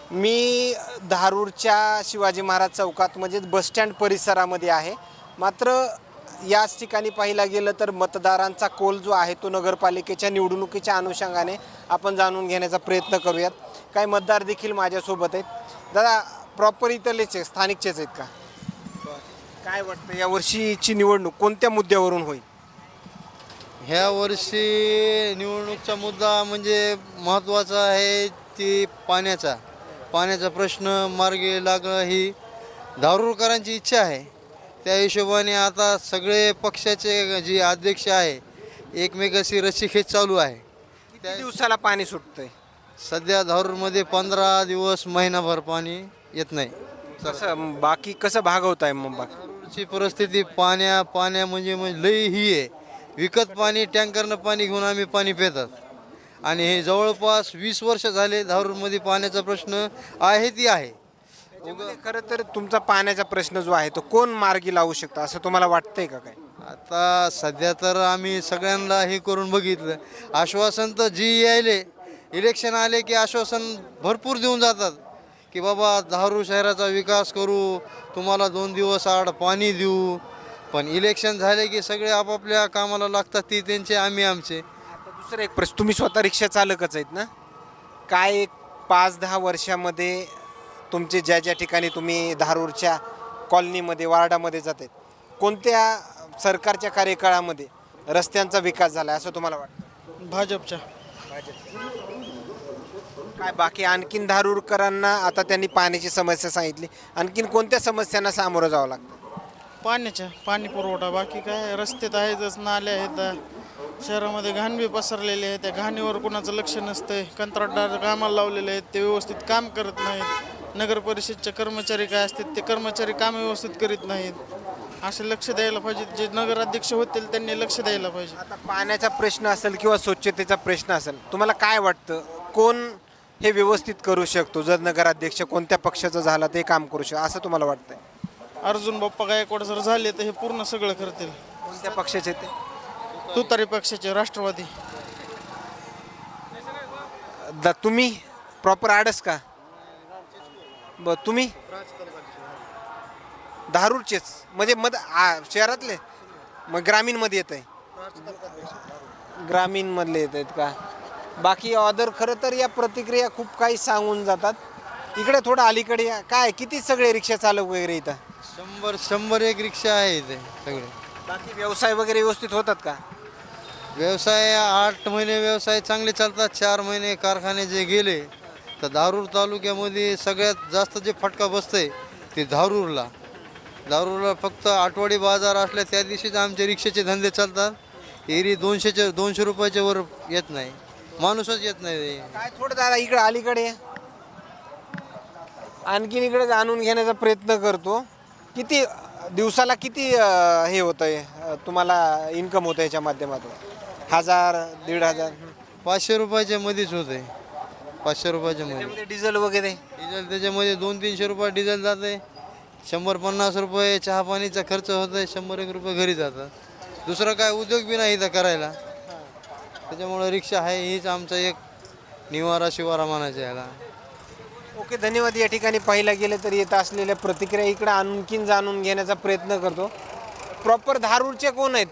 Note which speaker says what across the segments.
Speaker 1: मी धारूरच्या शिवाजी महाराज चौकात म्हणजेच बसस्टँड परिसरामध्ये आहे. मात्र याच ठिकाणी पाहिला गेलं तर मतदारांचा कौल जो आहे तो नगरपालिकेच्या निवडणुकीच्या अनुषंगाने आपण जाणून घेण्याचा प्रयत्न करूयात. काही मतदार देखील माझ्यासोबत आहेत. दादा, प्रॉपर इथलेच स्थानिकचेच आहेत का? काय वाटतं यावर्षीची निवडणूक कोणत्या मुद्द्यावरून होईल?
Speaker 2: ह्या वर्षी निवडणूकचा मुद्दा म्हणजे महत्त्वाचा आहे ती पाण्याचा प्रश्न मार्गी लागणं ही धारूरकरांची इच्छा आहे. त्या हिशोबाने आता सगळे पक्षाचे जे अध्यक्ष आहे एकमेकाशी रस्सीखेच चालू आहे.
Speaker 1: किती दिवसाला पाणी सुटतंय?
Speaker 2: सध्या धारूरमध्ये 15 दिवस महिनाभर पाणी येत नाही.
Speaker 1: कसं बाकी कसं भागवत आहे मग बाकी?
Speaker 2: धारूरची परिस्थिती पाण्या म्हणजे लई ही आहे. विकत पाणी टँकरनं पाणी घेऊन आम्ही पाणी पितात आणि हे जवळपास 20 वर्ष झाले धारूरमध्ये पाण्याचा प्रश्न आहे ती आहे.
Speaker 1: खरं तर तुमचा पाण्याचा प्रश्न जो आहे तो कोण मार्गी लावू शकतं असं तुम्हाला वाटतंय का? काय
Speaker 2: आता सध्या तर आम्ही सगळ्यांना हे करून बघितलं. आश्वासन तर जी यायले इलेक्शन आले की आश्वासन भरपूर देऊन जातात की बाबा धारूर शहराचा विकास करू, तुम्हाला 2 दिवस आड पाणी देऊ. पण इलेक्शन झाले की सगळे आपापल्या कामाला लागतात, ती त्यांचे आम्ही आमचे.
Speaker 1: आता दुसरं एक प्रश्न, तुम्ही स्वतः रिक्षा चालकच आहेत ना? काय एक 5-10 वर्षामध्ये तुमचे ज्या ठिकाणी तुम्ही धारूरच्या कॉलनीमध्ये वार्डामध्ये जाते कोणत्या सरकारच्या कार्यकाळामध्ये रस्त्यांचा विकास झाला असं तुम्हाला वाटतं?
Speaker 3: भाजपच्या.
Speaker 1: काय बाकी आणखीन धारूरकरांना आता त्यांनी पाण्याची समस्या सांगितली, आणखीन कोणत्या समस्यांना सामोरं जावं लागतं?
Speaker 3: पाणी पुरवठा, बाकी काय रस्ते तर आहेतच, नाले आहेत. शहरामध्ये घाण बी पसरलेले आहे, त्या घाणीवर कुणाचं लक्ष नसतंय. कंत्राटदार कामाला लावलेले आहेत, ते व्यवस्थित काम करत नाहीत. नगर परिषदचे कर्मचारी काय असतात ते कर्मचारी काम व्यवस्थित करीत नाहीत. असे लक्ष द्यायला पाहिजे. जे नगराध्यक्ष होतील त्यांनी लक्ष द्यायला पाहिजे.
Speaker 1: आता पाण्याचा प्रश्न असेल किंवा स्वच्छतेचा प्रश्न असेल, तुम्हाला काय वाटतं कोण हे व्यवस्थित करू शकतो? जर नगराध्यक्ष कोणत्या पक्षाचा झाला ते काम करू शकतो असं तुम्हाला वाटतंय?
Speaker 3: अर्जुन बाप्पा गायकवाड जर झाले तर हे पूर्ण सगळं करतील.
Speaker 1: कोणत्या पक्षाचे ते?
Speaker 3: तुतारी पक्षाचे, राष्ट्रवादी.
Speaker 1: तुम्ही प्रॉपर आडस का? तुम्ही धारूरचेच म्हणजे शहरातले, मग ग्रामीणमध्ये येत आहे? ग्रामीणमधले येत आहेत का? बाकी ऑदर खरं तर या प्रतिक्रिया खूप काही सांगून जातात. इकडे थोडं अलीकडे या. काय किती सगळे रिक्षा चालक वगैरे इथं?
Speaker 2: 100 एक रिक्षा आहे इथे सगळे.
Speaker 1: बाकी व्यवसाय वगैरे व्यवस्थित होतात का?
Speaker 2: व्यवसाय 8 महिने व्यवसाय चांगले चालतात. 4 महिने कारखाने जे गेले तर धारूर तालुक्यामध्ये सगळ्यात जास्त जे फटका बसतंय ते धारूरला फक्त आठवडी बाजार असल्या त्या दिवशीच आमचे रिक्षाचे धंदे चालतात. एरी 200 रुपयाच्या वर येत नाही, माणूसच येत नाही.
Speaker 1: काय थोडं दादा इकडे अलीकडे या. आणखीन इकडे जाणून घेण्याचा प्रयत्न करतो. किती दिवसाला किती हे होतं आहे तुम्हाला इन्कम होतं याच्या माध्यमातून? 1000-1500?
Speaker 2: 500 रुपयाच्या मध्येच होते. 500 रुपयाच्या मध्ये
Speaker 1: त्यामध्ये डिझेल वगैरे?
Speaker 2: डिझेल त्याच्यामध्ये 200-300 रुपये डिझेल जाते. 100-50 रुपये चहा पाणीचा खर्च होतोय. 100-1 रुपये घरी जातात. दुसरं काय उद्योग बी नाही इथं करायला. त्याच्यामुळं रिक्षा आहे हीच आमचा एक शिवारा म्हणायचा याला.
Speaker 1: ओके, धन्यवाद. या ठिकाणी पाहिला गेलं तर येत असलेल्या प्रतिक्रिया इकडे आणखीन जाणून घेण्याचा प्रयत्न करतो. प्रॉपर धारूरचे कोण आहेत?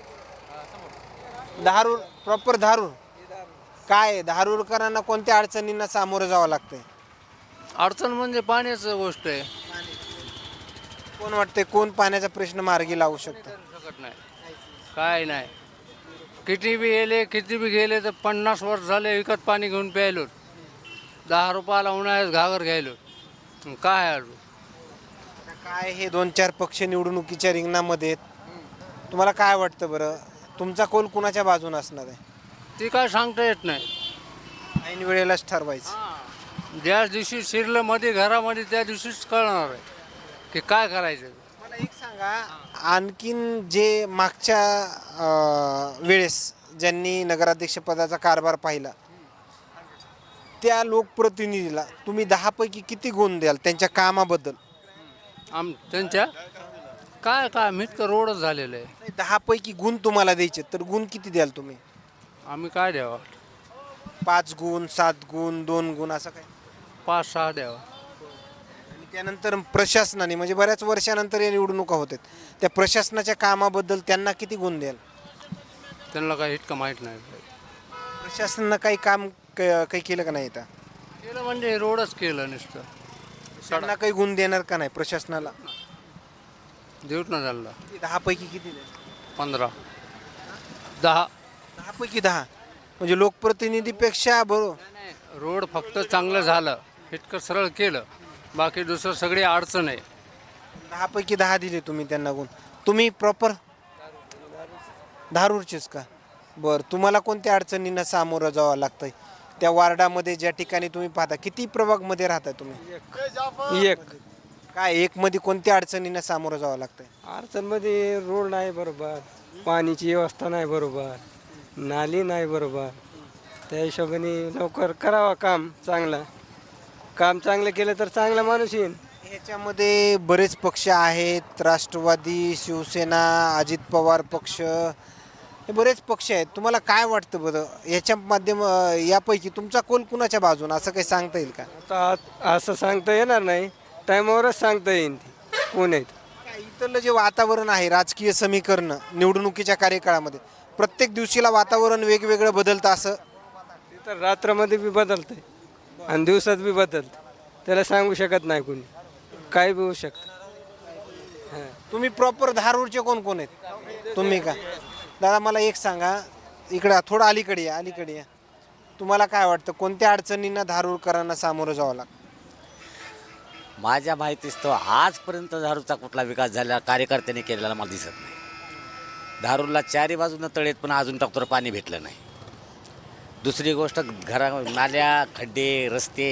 Speaker 1: प्रॉपर धारूर. काय धारूरकरांना कोणत्या अडचणींना सामोरं जावं लागतंय?
Speaker 4: अडचण म्हणजे पाण्याचं गोष्ट आहे.
Speaker 1: कोण वाटतंय कोण पाण्याचा प्रश्न मार्गी लावू शकतं?
Speaker 4: शकत नाही, काय नाही. किती बी गेले तर 50 वर्ष झाले विकत पाणी घेऊन प्यायलो. 10 रुपयाला उन्हाळ्यात घागर घ्यायलो. काय आहे
Speaker 1: काय हे 2-4 पक्ष निवडणुकीच्या रिंगणामध्ये आहेत. तुम्हाला काय वाटतं बरं, तुमचा कौल कुणाच्या बाजूने असणार आहे?
Speaker 4: ती काय सांगता येत नाही.
Speaker 1: ऐन वेळेलाच ठरवायचं.
Speaker 4: ज्या दिवशी शिरलं मध्ये घरामध्ये त्या दिवशीच कळणार आहे की काय करायचं.
Speaker 1: मला एक सांगा, आणखीन जे मागच्या वेळेस ज्यांनी नगराध्यक्षपदाचा कारभार पाहिला त्या लोकप्रतिनिधीला तुम्ही 10 पैकी किती गुण द्याल त्यांच्या कामाबद्दल?
Speaker 4: त्यांच्या काय मिटकं रोडच झालेलं आहे.
Speaker 1: 10 पैकी गुण तुम्हाला द्यायचे तर गुण किती द्याल तुम्ही?
Speaker 4: आम्ही काय द्यावं?
Speaker 1: 5 गुण, 7 गुण, 2 गुण असं काय?
Speaker 4: 5-6 द्यावं.
Speaker 1: त्यानंतर प्रशासनाने म्हणजे बऱ्याच वर्षानंतर या निवडणुका होतात, त्या प्रशासनाच्या कामाबद्दल त्यांना किती गुण द्याल?
Speaker 4: त्यांना काही इतकं माहीत नाही.
Speaker 1: प्रशासनानं काही काम काही केलं का नाही इथं?
Speaker 4: केलं म्हणजे रोडच केलं नुसतं.
Speaker 1: त्यांना काही गुण देणार का नाही प्रशासनाला?
Speaker 4: देऊत ना त्यांना
Speaker 1: 10 पैकी किती द्याल?
Speaker 4: 15 10.
Speaker 1: 10 पैकी 10 म्हणजे लोकप्रतिनिधीपेक्षा बरोबर.
Speaker 4: रोड फक्त चांगलं झालं, इतकं सरळ केलं, बाकी दुसरं सगळी अडचण आहे.
Speaker 1: 10 पैकी 10 दिले तुम्ही त्यांना गुण. तुम्ही प्रॉपर धारूरचेच का? बरं, तुम्हाला कोणत्या अडचणींना सामोरं जावं लागतंय त्या वार्डामध्ये ज्या ठिकाणी तुम्ही पाहता? किती प्रभागमध्ये राहता तुम्ही?
Speaker 5: एक
Speaker 1: काय एकमध्ये कोणत्या अडचणींना सामोरं जावं लागतंय?
Speaker 5: अडचणमध्ये रोड नाही बरोबर, पाण्याची व्यवस्था नाही बरोबर, नाली नाही बरोबर. त्या हिशोबाने लवकर करावा काम चांगलं. काम चांगलं केलं तर चांगला माणूस येईल.
Speaker 1: ह्याच्यामध्ये बरेच पक्ष आहेत, राष्ट्रवादी, शिवसेना, अजित पवार पक्ष, हे बरेच पक्ष आहेत. तुम्हाला काय वाटतं बरं याच्या यापैकी तुमचा कोल कुणाच्या बाजून असं काही सांगता येईल का?
Speaker 5: आता असं सांगता येणार नाही, टायमावरच सांगता येईल ते कोण आहेत.
Speaker 1: काय इथलं जे वातावरण आहे राजकीय समीकरण निवडणुकीच्या कार्यकाळामध्ये प्रत्येक दिवशीला वातावरण वेगवेगळं बदलतं असं?
Speaker 5: ते तर रात्रामध्ये बी बदलतंय आणि दिवसात बी बदलतं. त्याला सांगू शकत नाही कोणी, काय बी होऊ शकतं.
Speaker 1: तुम्ही प्रॉपर धारूरचे कोण कोण आहेत? तुम्ही का? दादा मला एक सांगा, इकडं थोडं अलीकडे या, अलीकडे या. तुम्हाला काय वाटतं कोणत्या अडचणींना धारूरकरांना सामोरं जावं लागतं?
Speaker 6: माझ्या माहितीस तो आजपर्यंत धारूरचा कुठला विकास झालेला कार्यकर्त्यांनी केलेला मला दिसत नाही. धारूरला चारी बाजूनं तळेत पण अजून तर पाणी भेटलं नाही. दुसरी गोष्ट नाल्या, खड्डे, रस्ते,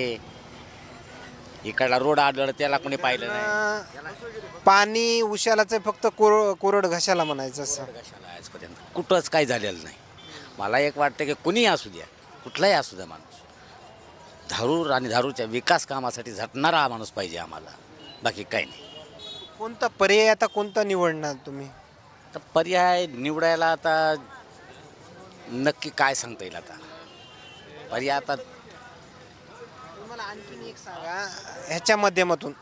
Speaker 6: इकडला रोड आढळ त्याला कोणी पाहिलं नाही.
Speaker 1: पाणी उशालाचं फक्त कोरड घशाला म्हणायचं असं.
Speaker 6: कशाला आजपर्यंत कुठंच काही झालेलं नाही. मला एक वाटतं की कुणीही असू द्या, कुठलाही असू द्या माणूस, धारूर आणि धारूरच्या विकास कामासाठी झटणारा हा माणूस पाहिजे आम्हाला, बाकी काही नाही.
Speaker 1: कोणता पर्याय आता कोणता निवडणार तुम्ही?
Speaker 6: तर पर्याय निवडायला आता नक्की काय सांगता येईल? आता पर्याय आता
Speaker 1: मला आणखीन एक सांगा, ह्याच्या माध्यमातून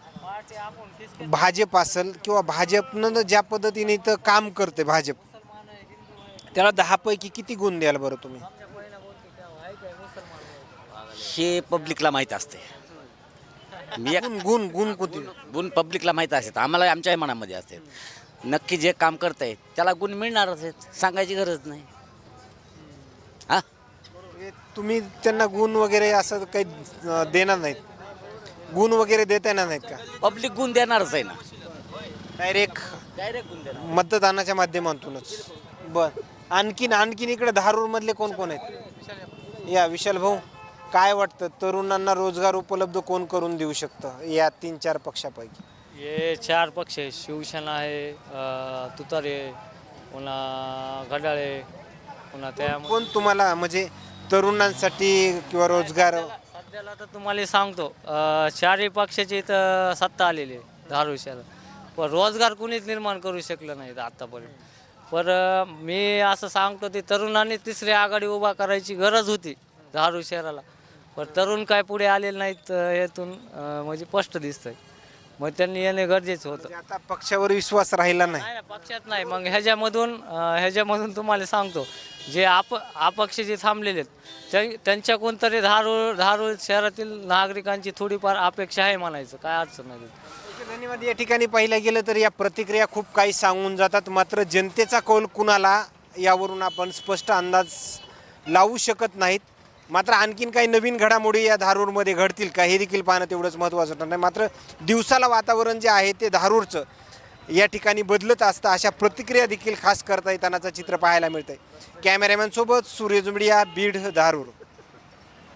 Speaker 1: भाजप असेल किंवा भाजपनं ज्या पद्धतीने इथं काम करते भाजप, त्याला 10 पैकी किती गुण द्याल बरं तुम्ही?
Speaker 6: हे पब्लिकला माहीत असते. मी एक
Speaker 1: गुण गुण गुण कोणते?
Speaker 6: गुण पब्लिकला माहीत असतात, आम्हाला आमच्याही मनामध्ये असते. नक्की जे काम करतंय त्याला गुण मिळणारच आहेत, सांगायची गरज नाही. हां,
Speaker 1: तुम्ही त्यांना गुण वगैरे असं काही देणार नाहीत? गुण वगैरे देता येणार नाहीत का?
Speaker 6: पब्लिक गुण देणारच आहे ना,
Speaker 1: डायरेक्ट
Speaker 6: गुण देणार.
Speaker 1: मतदानाच्या माध्यमातूनच. बर, आणखीन इकडे धारूरमधले कोण कोण आहेत? या विशाल भाऊ, काय वाटतं तरुणांना रोजगार उपलब्ध कोण करून देऊ शकतं या 3-4 पक्षापैकी?
Speaker 7: हे 4 पक्ष आहे. शिवसेना आहे, तुतारे, पुन्हा घड्याळे, पुन्हा त्या
Speaker 1: कोण तुम्हाला म्हणजे तरुणांसाठी किंवा रोजगार?
Speaker 7: सध्याला तर तुम्हाला सांगतो 4ही पक्षाची इथं सत्ता आलेली आहे धारूर शहरात, पण रोजगार कुणीच निर्माण करू शकलं नाही आत्तापर्यंत. पण मी असं सांगतो ते तरुणांनी तिसरी आघाडी उभा करायची गरज होती धारूर शहराला, पण तरुण काय पुढे आलेले नाहीत यातून म्हणजे स्पष्ट दिसतंय. मग त्यांनी येणे गरजेचं होतं.
Speaker 1: म्हणजे आता पक्षावर विश्वास राहिला नाही.
Speaker 7: नाही ना, पक्षात नाही. मग ह्याच्यामधून तुम्हाला सांगतो जे अपक्ष जे थांबलेले आहेत त्यांच्या कोणतरी धारूर शहरातील नागरिकांची थोडीफार अपेक्षा आहे म्हणायचं, काय अडचण नाही.
Speaker 1: धन्यवाद. या ठिकाणी पाहिलं गेलं तर या प्रतिक्रिया खूप काही सांगून जातात, मात्र जनतेचा कौल कुणाला यावरून आपण स्पष्ट अंदाज लावू शकत नाहीत. मात्र आणखीन काही नवीन घडामोडी या धारूरमध्ये घडतील का हे देखील पाहणं तेवढंच महत्त्वाचं ठरणार आहे. मात्र दिवसाला वातावरण जे आहे ते धारूरचं या ठिकाणी बदलत असतं, अशा प्रतिक्रिया देखील खास करता येतानाचं चित्र पाहायला मिळतंय. कॅमेरामॅनसोबत सूर्य जुमडिया, बीड, धारूर.